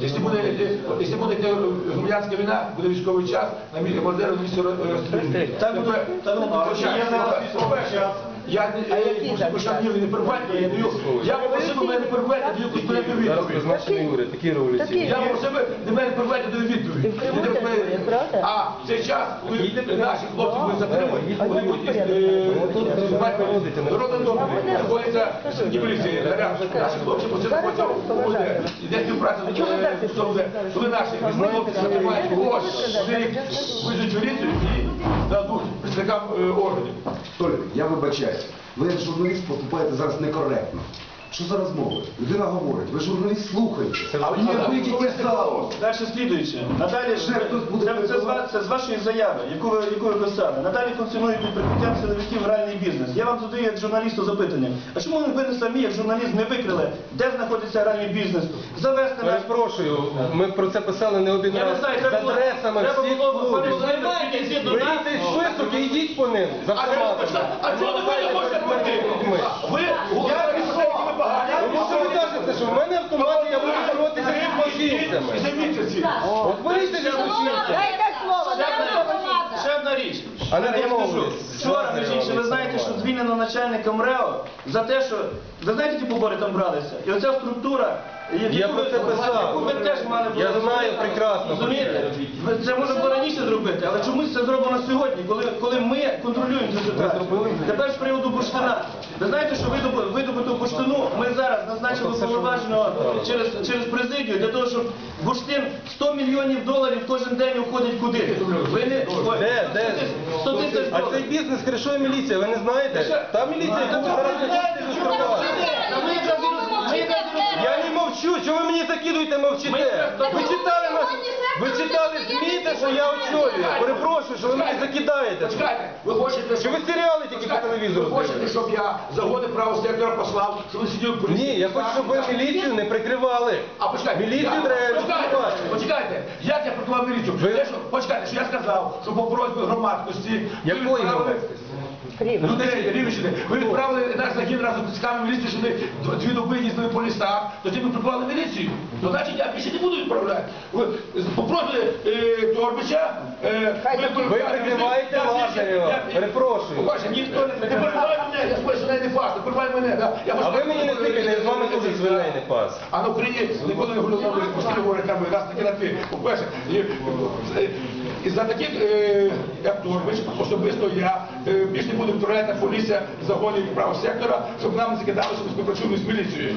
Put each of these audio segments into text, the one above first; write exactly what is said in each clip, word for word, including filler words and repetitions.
Якщо буде, якщо буде громадянська війна, буде військовий час, на місці Мазеру на місці розстрілюють. Я не перебувайте, я даю. Я попросив у мене не перебувайте, даю конкретну відповідь. Зараз призначений уряд, такі революції. Я попросив до мене перебувайте, даю відповідь. А в цей час, коли наші хлопці будуть затримані, вони будуть народним домом, знаходяться в поліції, наші хлопці по цьому ході. Йде співпраця з СОВД. Коли наші хлопці затримають когось, вони їх визуть в поліцію і дадуть представникам органів. Толік, я вибачаюсь. Ви як журналіст поступаєте зараз некоректно. Що за розмови? Людина говорить, ви журналіст слухаєте. А ви не вийдіть залу. Далі слідуюче. Надалі, це, це, це, це з вашої заяви, яку ви, яку ви писали. Надалі функціонує під прикриттям силовиків гральний бізнес. Я вам задаю як журналісту запитання. А чому ви не самі, як журналіст, не викрили, де знаходиться гральний бізнес? Завести нас... Перепрошую, ми про це писали не один Я не раз. знаю, З треба було... адресами Треба всіх було... клубів. Беріть цей список і йдіть по ним. За автоматами. А чого ви не можете пройти? Ви говорите, що ви погані. Тому що ви кажете, що в мене автомат, я буду боротися з злочинцями. От боріться зі злочинцями. Ще одна річ. А не Я скажу, домовились. вчора, між іншим, ви знаєте, що звільнено начальника МРЕО за те, що, ви знаєте, які побори там бралися? І оця структура, яку Я ви, про це писав. яку ви теж мали б Я знаю розуміти. прекрасно про це. Розумієте? Це можна було раніше зробити, але чомусь це зроблено сьогодні, коли, коли ми контролюємо цю ситуацію. Тепер з приводу бурштина. Ви знаєте, що видобу- видобуту бурштину ми зараз назначили повноваженого через, через президію для того, щоб бурштин сто мільйонів доларів кожен день уходить куди? Ви не... Ой, Де, де? сто тисяч А цей доларів. бізнес кришує міліція, ви не знаєте? Та міліція, яку ви зараз не хочете розкривати. Ми якраз і роз- ми якраз і роз- Я не мовчу, що ви мені закидуєте, мовчите? Ви читали нас, ви читали ЗМІ, те, що я очолюю. Перепрошую, що ви мені закидаєте. Почекайте, ви хочете, Чи ви серіали тільки по телевізору ви хочете, дивитесь? щоб я загони правого сектора послав, щоб ви сиділи в поліції? Ні, я хочу, щоб ви міліцію не прикривали. А почекайте, Міліцію я- треба почекайте, відкривати. почекайте, як я прикривав міліцію? Ви- Те, що, почекайте, що я сказав, що по просьбі громадськості... ви Якої відправили громадськості? Людей, Рівненщини, ви відправили наш загін разом з тисками міліції, що вони дві доби їздили по лісах, тоді ми приклали міліцію. То значить, я більше не буду відправляти. Ви попросили е, Торбича... Е, Ви прикриваєте Лазарєва. Перепрошую. Побачте, ніхто не перебивай мене, я сподіваюся, що не фас, не перебивай мене. Да. Я А ви мені не тикайте, я з вами теж свиней не пас. А на Україні ніколи не говорили, постійно говорять, там, раз таки на ти. По-перше, і, і, і за таких, е, як Торбич, особисто я е, більш не буду відправляти поліція загонів правого сектора, щоб нам не закидали, що ми співпрацюємо з міліцією.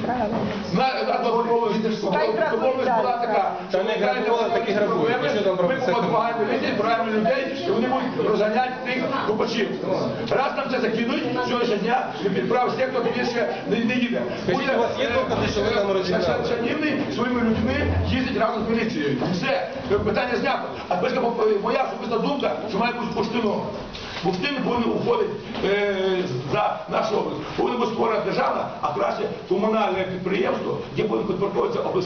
На домовленість була така, Та не грабували, такі грабують. проблеми, Що там ми прописати? допомагаємо міліції, відправляємо людей, і вони будуть розганяти тих купачів. Раз нам це закинуть, сьогоднішнього дня правий сектор більше не, не їде. Скажіть, у вас є докази, що ви там розігнали? Шанівний своїми людьми їздить разом з міліцією. Все, питання знято. А тепер моя особиста думка, що має бути бурштином. Бурштин повинен уходити е, за нашу область. Повинна бути створена державна, а краще комунальне підприємство, яке повинно підпорядковуватися обласній